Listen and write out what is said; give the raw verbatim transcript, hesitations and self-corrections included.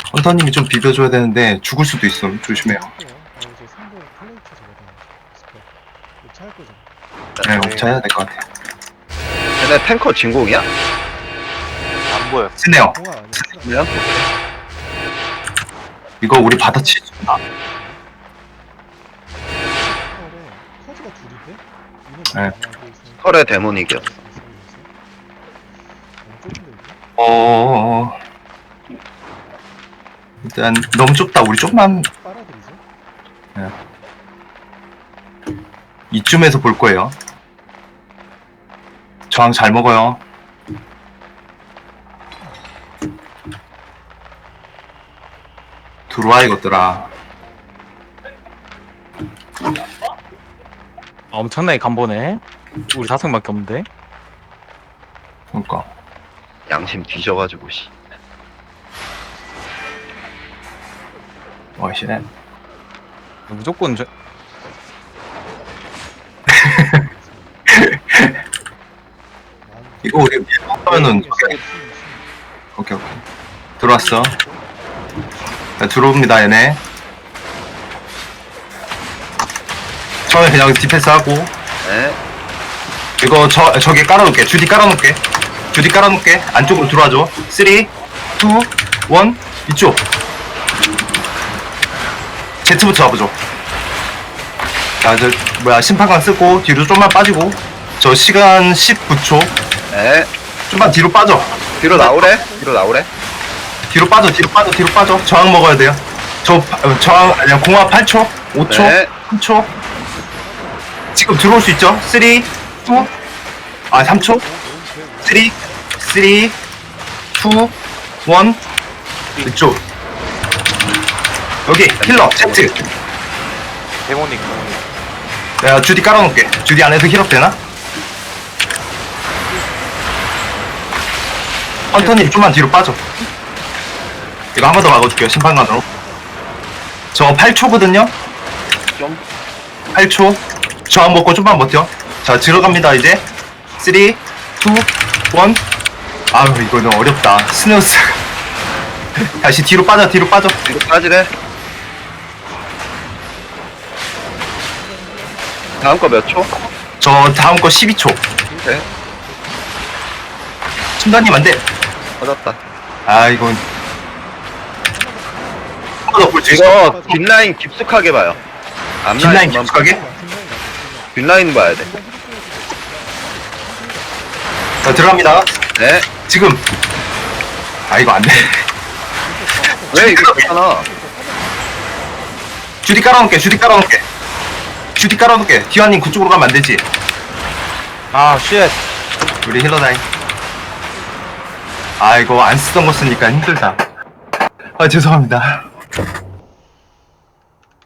헌터님이 좀 비벼줘야 되는데 죽을 수도 있어. 조심해요. 아 이제 삼 번 플레이트 잡아야 스페. 차할 거잖아. 네, 옵차해야 될 것 같아요. 쟤네 탱커 진공이야? 안 보여. 쓰네요. 공화 아니야. 쓰나? 그냥? 이거 우리 받아치. 아, 커즈가 둘인데? 네. 털의 데몬 이겼어. 어, 어, 어. 일단 너무 좁다. 우리 조금만 빨아들이죠? 이쯤에서 볼 거예요. 저항 잘 먹어요. 들어와 이것들아. 엄청나게 간보네. 우리 다섯 명밖에 없는데. 그러니까 양심 뒤져가지고 씨. 와씨. 무조건 저... 이거 우리 하면은 오케이 오케이. 들어왔어. 자, 들어옵니다 얘네. 처음에 그냥 디펜스 하고 네. 이거 저 저기 깔아놓을게. 주디 깔아놓을게. 주디 깔아놓을게. 안쪽으로 들어와줘. 삼, 이, 일 이쪽. 제트부터 잡아줘. 자, 저 뭐야 심판관 쓰고 뒤로 좀만 빠지고. 저 시간 십구 초. 네. 좀만 뒤로 빠져. 뒤로 나오래? 뒤로 나오래? 뒤로 빠져. 뒤로 빠져. 뒤로 빠져. 저항 먹어야 돼요. 저 파- 어, 저항 아니야 공합 팔 초, 오 초, 네. 삼 초. 지금 들어올 수 있죠? 삼, 이, 아 삼 초. 삼, 삼, 이, 일. 이쪽. 여기 힐러 제트. 데모닉, 데모닉. 내가 주디 깔아놓을게. 주디 안에서 힐업 되나? 헌터님 좀만 뒤로 빠져. 이거 한 번 더 막아줄게요. 심판관으로. 저 팔 초거든요? 좀. 팔 초. 저항 먹고 좀만 버텨. 자, 들어갑니다, 이제. 삼, 이, 일. 아유, 이거 너무 어렵다. 스누스. 다시 뒤로 빠져, 뒤로 빠져. 뒤로 빠지래? 다음 거 몇 초? 저 다음 거 십이 초. 네. 순간님 안 돼. 터졌다. 아, 이건. 한 번 더 볼 수 있어. 이거 뒷라인 깊숙하게 봐요. 뒷라인 앞라인만 깊숙하게? 뒷라인 봐야 돼. 자, 들어갑니다. 네. 지금. 아, 이거 안 돼. 왜 이거 괜찮아? 주디 깔아놓을게, 주디 깔아놓을게. 주디 깔아놓을게. 디와님 그쪽으로 가면 안 되지. 아, 쉣. 우리 힐러다잉. 아, 이거 안 쓰던 거 쓰니까 힘들다. 아, 죄송합니다.